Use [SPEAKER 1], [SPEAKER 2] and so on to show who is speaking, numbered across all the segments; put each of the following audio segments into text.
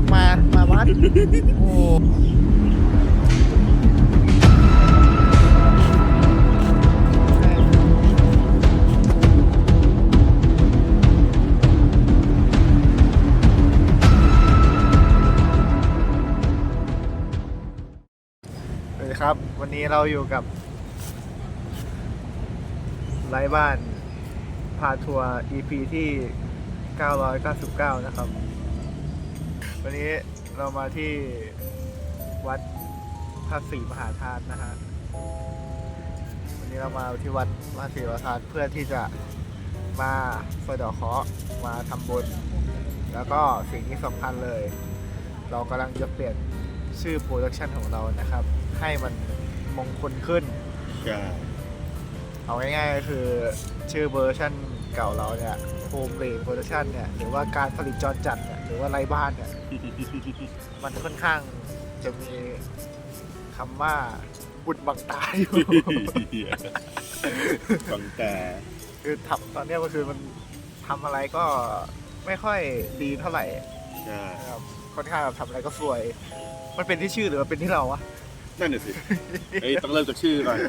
[SPEAKER 1] มาวัดโอ้สวัสดีครับวันนี้เราอยู่กับไร้บ้านพาทัวร์ EP ที่ 999 นะครับวันนี้เรามาที่วัดพระศรีมหาธาตุนะฮะวันนี้เรามาที่วัดพระศรีมหาธาตุเพื่อที่จะมาสะเดาะเคราะห์มาทำบุญแล้วก็สิ่งที่สำคัญเลยเรากำลังจะเปลี่ยนชื่อโปรดักชันของเรานะครับให้มันมงคลขึ้น
[SPEAKER 2] ใช่
[SPEAKER 1] เอาง่ายๆก็คือชื่อเวอร์ชันเก่าเราเนี่ยโฮมเบรดโปรดักชันเนี่ยหรือว่าการผลิตจรจัดเนี่ยหรือว่าไร้บ้านเนี่ย มันค่อนข้างจะมีคำว่าบุญบังตาอยู่
[SPEAKER 2] บังตา
[SPEAKER 1] คือทำตอนนี้ก็คือมันทำอะไรก็ไม่ค่อยดีเท่าไหร่
[SPEAKER 2] ใช่
[SPEAKER 1] ครับค่อนข้างทำอะไรก็สวยมันเป็นที่ชื่อหรือว่าเป็นที่เราวะ
[SPEAKER 2] นั่นน่ะสิต้องเริ่มจากชื่อก่อน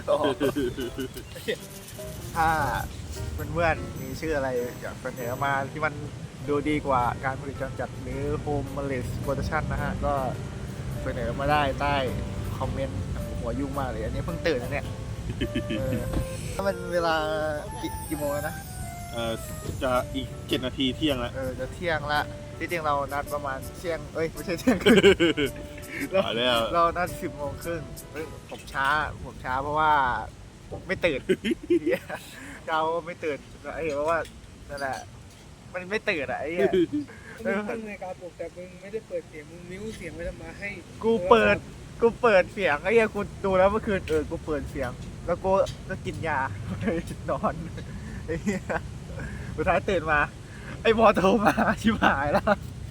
[SPEAKER 1] ถ้าเพื่อนๆมีชื่ออะไรอยากเสนอมาที่มันดูดีกว่าการผลิตจรจัดหรือโฮมเมดโปรดักชั่นนะฮะก็เสนอมาได้ใต้คอมเมนต์หัวยุ่งมากเลยอันนี้เพิ่งตื่นนะเนี่ยมันเวลากี่โมงแล้วนะ
[SPEAKER 2] จะอีก7 นาทีเที่ยงแล้ว
[SPEAKER 1] จะเที่ยงละที่จริงเรานัดประมาณเที่ยงไม่ใช่เที่ยงครึ่งเรานัด10 โมงครึ่งผมช้าเพราะว่าไม่ตื่นเราไม่ตื่นเพราะว่านั่นแหละมันไม่ตื่นไอ้เนี่ย
[SPEAKER 3] ตั้งในการปลุกแต่มึงไม่ได้เปิดเสียงมึงมิ้วเสียงไว้ทำไมให้
[SPEAKER 1] กูเปิดเสียงไอ้เนี่ยกูดูแล้วเมื่อคืนกูเปิดเสียงแล้วกูก็กินยาเลยนอนไอ้เนี่ยสุดท้ายตื่นมาไอ้บอโทรมาชิบหายแล้ว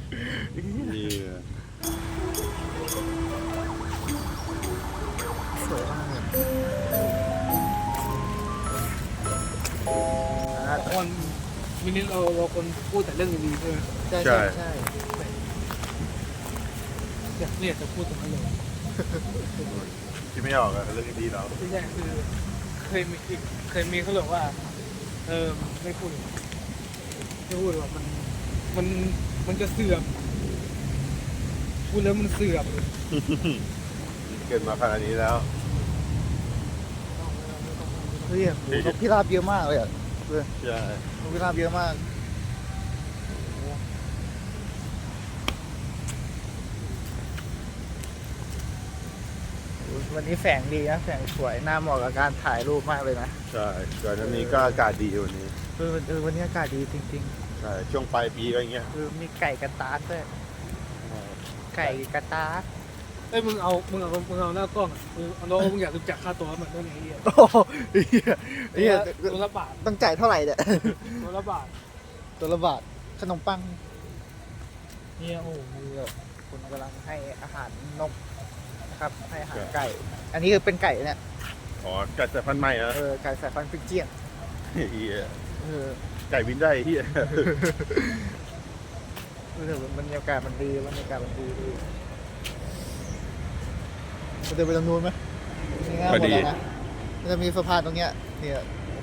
[SPEAKER 1] สวยมาก
[SPEAKER 3] คนมินิเราคนพูดแต่เรื่องดีๆใช่ไหม
[SPEAKER 1] ใช่
[SPEAKER 3] อยากเรียกจะพูดตรงนั้นเลย
[SPEAKER 2] ที่ไม่ออกเรื่องดีเรา
[SPEAKER 3] ใช่คือเคยมีเขาบอกว่าไม่พูดว่ามันจะเสื่อมพูดแล้วมันเสื่อม
[SPEAKER 2] เกิดมาขนาดนี้แล้ว
[SPEAKER 1] เฮ้ยนกพิราบเยอะมากเลย
[SPEAKER 2] ใช่
[SPEAKER 1] นกพิราบเยอะมากวันนี้แสงดีนะแสงสวยน่าเหมาะกับการถ่ายรูปมากเลยนะ
[SPEAKER 2] ใช่ก่อนหน้านี้ก็อากาศดีวันนี้
[SPEAKER 1] วันนี้อากาศดีจริง
[SPEAKER 2] ๆใช่ช่วงปลายปีก็อย่างเงี้ย
[SPEAKER 1] มีไก่กระตากด้วยไก่กระตาก
[SPEAKER 3] มึงเอาหน้ากล้องมึงอยากรู้จักค่าตัวมันเท่าไหร่
[SPEAKER 1] โอ้ย
[SPEAKER 3] ตัวละบาท
[SPEAKER 1] ต้องจ่ายเท่าไหร่เนี่ย
[SPEAKER 3] ตัวละบาท
[SPEAKER 1] ขนมปังเนี่ยโอ้โหคุณกำลังให้อาหารนกนะครับให้อาหารไก่อันนี้คือเป็นไก่เนี่ย
[SPEAKER 2] ไก่สายพันธุ์ใหม่นะ
[SPEAKER 1] ไก่สายพันธุ์ฟิกเจียน
[SPEAKER 2] ไก่วินได้เฮีย
[SPEAKER 1] บรรยากาศมันดีจะเดินไปตรงนู้นไหม
[SPEAKER 2] พอดี
[SPEAKER 1] นะมันจะมีสะพานตรงเนี้ยเนี่ย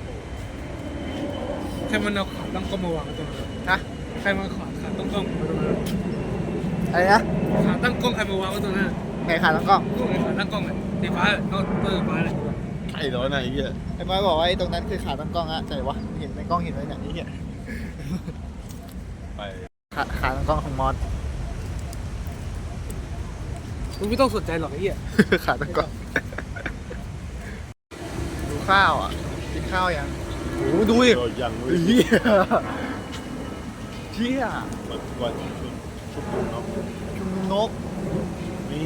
[SPEAKER 3] ใครมันเอาขาตั้งกล้องมาวางตรงนั้น
[SPEAKER 1] ฮะ
[SPEAKER 3] ใครมันขาตั้งกล้องมาตรงนั้น
[SPEAKER 1] อะไรนะ
[SPEAKER 3] ขาตั้งกล้องใครมาวางไว้ตรงนั้น
[SPEAKER 1] ไหนขาตั้งกล้อง
[SPEAKER 3] ขาตั้งกล้องเลยสีฟ้าก็ฟ้าเลย
[SPEAKER 2] ไอ้ร้อนไหนเงี้ย
[SPEAKER 1] ไอ้บอยบอกว่าไอ้ตรงนั้นคือขาตั้งกล้องอะใช่วะเห็นในกล้องเห็นไหมเนี่ยนี่
[SPEAKER 2] ไป
[SPEAKER 1] ขาตั้งกล้องของมอส
[SPEAKER 3] มึงไม่ต้องสนใจหรอกไอ้เหี้ย
[SPEAKER 1] ขาตั้งกล้องดูข้าวอ่ะกินข้าวยังโอ้ดูดิ
[SPEAKER 2] ยัง
[SPEAKER 1] เฮีย
[SPEAKER 2] วันชุมนุม
[SPEAKER 1] นก
[SPEAKER 2] นี่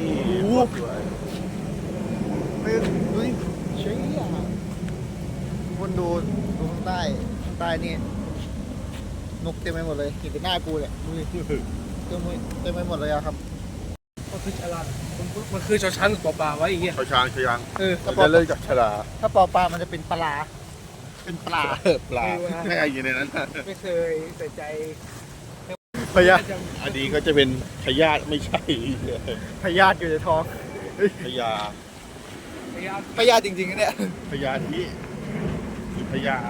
[SPEAKER 1] ไม่ดูดิเชี่ยคนดูข้างใต้นี่นกเต็มไปหมดเลยเห็นแต่หน้ากูเนี่ยดูดิเต็มไปหมดเลยครับ
[SPEAKER 3] มันคือฉลาดมันคือชอช้างกับปอปลาไว้อย่างเงี้ย
[SPEAKER 2] ชอช้าง
[SPEAKER 1] จะ
[SPEAKER 2] เลิกจากฉลา
[SPEAKER 1] ถ้าปอปลามันจะเป็นปลา
[SPEAKER 2] ไม่ไอ้ยังในนั้น
[SPEAKER 3] ไม่เคยใส่ใจ
[SPEAKER 1] พยาธิ
[SPEAKER 2] อันนี้ก็จะเป็นพยาธิไม่ใช่
[SPEAKER 1] พยาธิอยู่ในท้อง
[SPEAKER 2] พยา
[SPEAKER 1] พยาธิจริงๆนะเนี่ย
[SPEAKER 2] พยาธิหรือพยา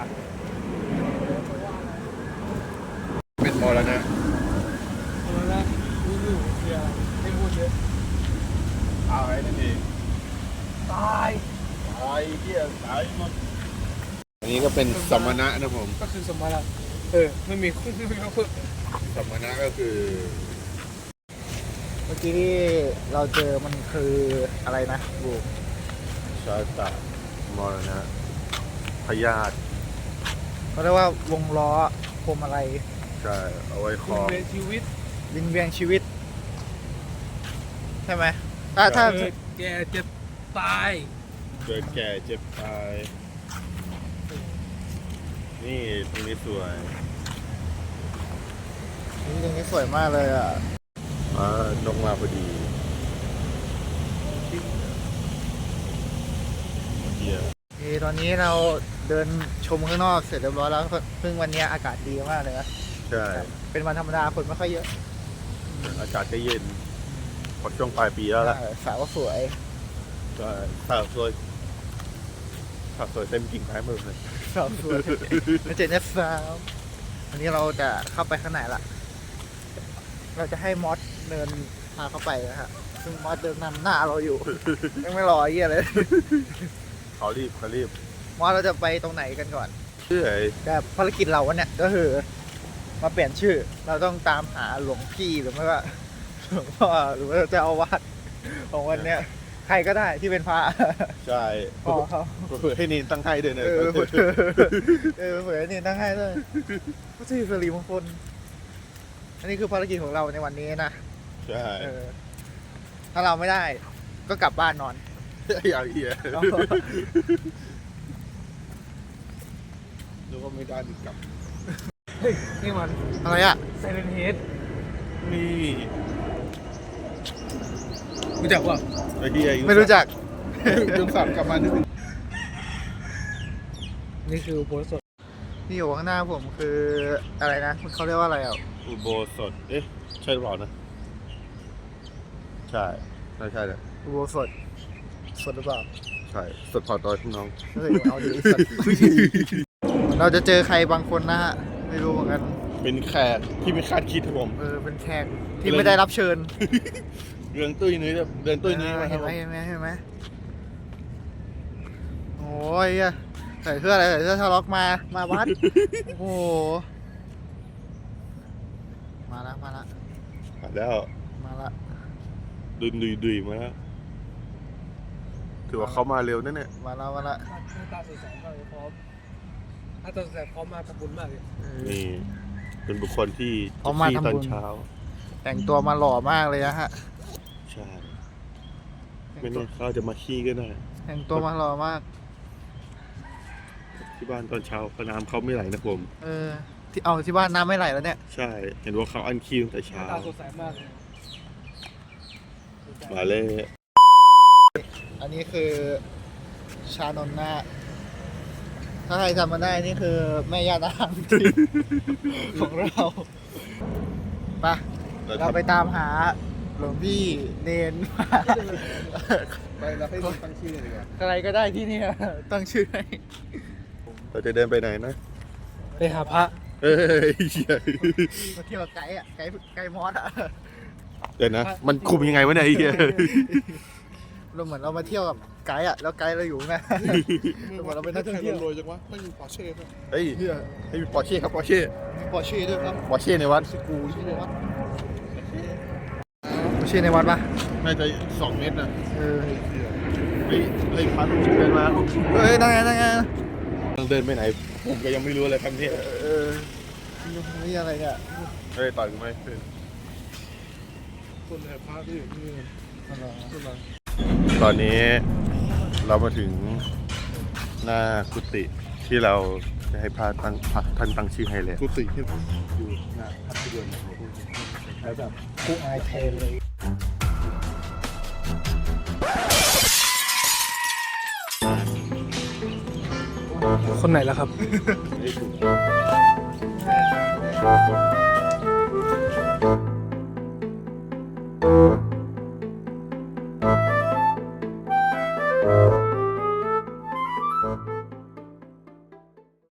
[SPEAKER 2] เป็นมรณะ
[SPEAKER 3] เอาละรู้อยู่เสียให้พูดเยอะ
[SPEAKER 2] ตายนั่นเอง
[SPEAKER 3] ตาย
[SPEAKER 2] ตายเที่ยตายหมดอันนี้ก็เป็นสมณะนะผม
[SPEAKER 3] ก็คือสมมาละไม่มีคู่ไม่มีคู่
[SPEAKER 2] สมณะก็คือ
[SPEAKER 1] เมื่อกี้ที่เราเจอมันคืออะไรนะบู
[SPEAKER 2] ชาตะมรณะพยาธิ
[SPEAKER 1] เขาเรียกว่าวงล้อพวงมาลัย
[SPEAKER 2] ใช่เอาไว้คล้อง
[SPEAKER 3] เวียนชีวิต
[SPEAKER 1] วินเวียนชีวิต ใช่ไหมถ้า
[SPEAKER 3] เกิดแก่เจ็บตาย
[SPEAKER 2] เกิดแก่เจ็บตาย นี่ตรงนี้สวย
[SPEAKER 1] ตรงนี้สวยมากเลยอ่ะ
[SPEAKER 2] นกมาพอดีเดียว
[SPEAKER 1] ตอนนี้เราเดินชมข้างนอกเสร็จเรียบร้อยแล้วเพิ่งวันนี้อากาศดีมากเลยนะ
[SPEAKER 2] ใช่
[SPEAKER 1] เป็นวันธรรมดาคนไม่ค่อยเยอะ
[SPEAKER 2] อากาศก็เย็นพอช่วงปลายปีแล้วล่ะ
[SPEAKER 1] สาวก็สวย
[SPEAKER 2] ใช่สาวสวยสาวสวยเต็มกิ่งไม้หมดเลย
[SPEAKER 1] สาวสวยแล้วเจนเนี่ยสาววันนี้เราจะเข้าไปข้างในละเราจะให้มอสเดินพาเข้าไปนะฮะซึ่งมอสเดินนำหน้าเราอยู่ ยังไม่รอไอ้เหี้ยเลย
[SPEAKER 2] เขารีบเขารีบ
[SPEAKER 1] มอสเราจะไปตรงไหนกันก่อน
[SPEAKER 2] ชื่อไอ้
[SPEAKER 1] แต่ภารกิจเราวันเนี้ยก็คือมาเปลี่ยนชื่อ เราต้องตามหาหลวงพี่หรือไม่ว่าหลวงพ่อหรือว่าเจ้าอาวาสของวันเนี้ยใครก็ได้ที่เป็นพระ
[SPEAKER 2] ใช่
[SPEAKER 1] พ่อเขา
[SPEAKER 2] เผื่อให้นินตั้งให้ด้วยนะ
[SPEAKER 1] เผื่อนี่ตั้งให้ด้วยพระศรีสิริมงคลอันนี้คือภารกิจของเราในวันนี้นะ
[SPEAKER 2] ใช่
[SPEAKER 1] ถ้าเราไม่ได้ก็กลับบ้านนอน
[SPEAKER 2] อย่างเหี้ยนึกว่าไม่ได้ดีกลับ
[SPEAKER 3] เฮ้ยนี่มัน
[SPEAKER 1] อะไรอ่ะ
[SPEAKER 3] ไซเลนเฮด
[SPEAKER 2] นี่
[SPEAKER 3] รู้จักว่า
[SPEAKER 2] ไอ้เหี้ย
[SPEAKER 1] ไม่รู้จัก
[SPEAKER 2] ยุงสับกลับมานึก
[SPEAKER 3] นี่คือโพสต์สด
[SPEAKER 1] ที่อยู่ข้างหน้าผมคืออะไรนะเขาเรียกว่าอะไรอ่ะ
[SPEAKER 2] อุโบสถเอ๊ะใช่หรือเปล่านะใช่ใช่เลย
[SPEAKER 1] อุโบสถสดหรือเปล่า
[SPEAKER 2] ใช่สดพอดอยพี่น้อง
[SPEAKER 1] เฮ้ยเอาดีสัตว์เราจะเจอใครบางคนนะฮะไม่รู้เหมือนกัน
[SPEAKER 2] เป็นแขกที่ไม่คาดคิดครับผม
[SPEAKER 1] เป็นแขกที่ไม่ได้รับเชิญ
[SPEAKER 2] เรื่องตุ้ยนุ้ยเดินตุ้ยนุ้ยมาค
[SPEAKER 1] เห็
[SPEAKER 2] รับ
[SPEAKER 1] น
[SPEAKER 2] ผ
[SPEAKER 1] ไหม
[SPEAKER 2] ม
[SPEAKER 1] เห็นไหมเห็นไหมโอ้ยใส่เสื้ออะไรใส่เสื้อทะล็อกมาวัดโอ้โหมาละ
[SPEAKER 2] มาแล้ว
[SPEAKER 1] มาละ
[SPEAKER 2] ดุยมาแล้วถือว่าเขามาเร็วนั่นเนี่ย
[SPEAKER 1] มาละ
[SPEAKER 3] หน้าตาสดใสมากเลยพร้อมหน้าตาสดใสพร้อมมาทำบุญมากเลย
[SPEAKER 2] นี่เป็นบุคคลที่
[SPEAKER 1] เขามา
[SPEAKER 2] ที่
[SPEAKER 1] ทำ
[SPEAKER 2] ตอน
[SPEAKER 1] บุญ
[SPEAKER 2] เช้า
[SPEAKER 1] แต่งตัวมาหล่อมากเลยนะฮะ
[SPEAKER 2] ใช่ไม่แน่เขาจะมาขี้ก็ได้
[SPEAKER 1] แต่งตัวมาหล่อมาก
[SPEAKER 2] ที่บ้านตอนเช้าน้ำเขาไม่ไหลนะผม
[SPEAKER 1] ที่บ้านน้ำไม่ไหลแล้วเนี่ย
[SPEAKER 2] ใช่ เห็นว่าเขาอันขี้ตั้งแต่
[SPEAKER 3] ห
[SPEAKER 2] เช้า
[SPEAKER 3] น้าตาสดใสมากเลย
[SPEAKER 2] มาเลย
[SPEAKER 1] อันนี้คือชานนท์นะถ้าใครจำมาได้นี่คือแม่ย่านางของเราไปเราไปตามหาหลวงพี่เนน
[SPEAKER 2] ไปแล้วให้ตั้งชื่อเลยดีกว่า
[SPEAKER 1] อะไรก็ได้ที่นี่ตั้งชื่อให้
[SPEAKER 2] เราจะเดินไปไหนนะ
[SPEAKER 3] ไปหาพระ
[SPEAKER 2] เอ้ยเหี้ย
[SPEAKER 1] มาเที่ยวกับไกด์อ่ะไกด์มอสอ่ะ
[SPEAKER 2] เดี๋ยวนะ มันคุมยังไงวะเนี่ยไอ้เหี้ย
[SPEAKER 1] เราเหมือนเรามาเที่ยวกับไกด์อ่ะแล้วไกด์เราอยู่ไงเหมือนเราเป็นนักท่องเที่ยว
[SPEAKER 2] รวยจังวะไม่มีปอร์เช่เฮ้ยให้มีปอร์เช่ครับปอร์เช่
[SPEAKER 1] ปอร์เช่ด้วยครับ
[SPEAKER 2] ปอร์เช่ในวัด
[SPEAKER 1] สกูชื่อในวัดปอร์เช่ในวัดปะ
[SPEAKER 2] น่าจะ2 เมตรนะ
[SPEAKER 1] เออ
[SPEAKER 2] เฮ้ยพันเดินมา
[SPEAKER 1] เฮ้ยนั่งไง
[SPEAKER 2] ต้องเดินไปไหน ผมก็ยังไม่รู้เลยครับเนี่ย
[SPEAKER 1] นี่อะไรเนี่ย
[SPEAKER 2] เฮ้ยต่อยกูไหม
[SPEAKER 3] คนแห่พระที่อยู่ที่นี่
[SPEAKER 2] ตอนนี้เรามาถึงหน้ากุฏิที่เราจะให้พระท่านตั้งชื่อให้แล้วกุฏิที่อยู่หน้าพระที่เดินแล้วแบบ
[SPEAKER 1] กูอายแทนเลย
[SPEAKER 3] คนไหนล่ะครับ
[SPEAKER 2] ไม่ถูก Thank